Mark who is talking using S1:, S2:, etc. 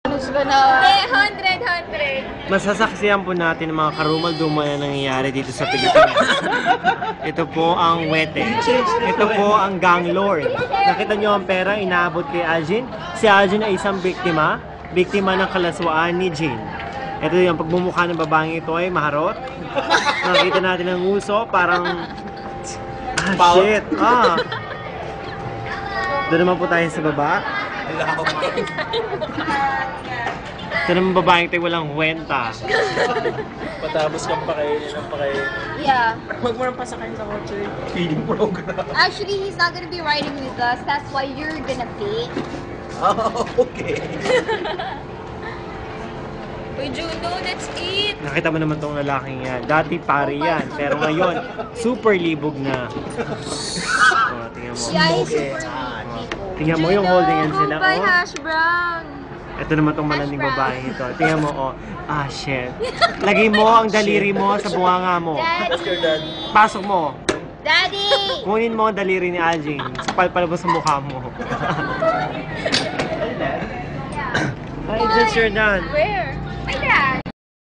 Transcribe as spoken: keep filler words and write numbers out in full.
S1: Gusto ko na.
S2: Eh, hundred, hundred.
S3: Masasaksiyan po natin ang mga karumal-dumal na nangyayari dito sa Pilipinas. Ito po ang Wete. Ito po ang Gang Lord. Nakita nyo ang pera inaabot kay Algin? Si Algin ay isang biktima. Biktima ng kalaswaan ni Jean. Ito yung pagmumukha ng babaeng ito ay maharot. Nakita natin ang uso, parang... Ah, shit! Ah! Doon naman po tayo sa baba. Ito naman babaeng tayo walang kwenta.
S4: Patapos kang pakainin ng pakainin.
S2: Yeah.
S4: Huwag mo nang pasakayin sa kotse. Feeding program.
S2: Actually, he's not gonna be riding with us. That's why you're gonna pay.
S4: Oh, okay.
S2: Uy, Juno, let's eat.
S3: Nakita mo naman tong lalaking yan. Dati pari yan, pero ngayon, super libog na. Oh, tingnan mo.
S2: Yeah, he's
S4: Okay.
S2: super
S4: Ah,
S2: people.
S3: Tingnan mo yung holding yan sila.
S2: Goodbye,
S3: Oh.
S2: hash brown.
S3: Ito naman tong malanding
S2: Hash brown.
S3: babae ito. Tingnan mo, oh. Ah, shit. Lagay mo ang daliri mo sa bunganga mo.
S4: Ask your dad.
S3: Pasok mo.
S2: Daddy!
S3: Kunin mo ang daliri ni Aljing. Sapal-pal mo sa mukha mo. Hi, just you're done.
S2: Where?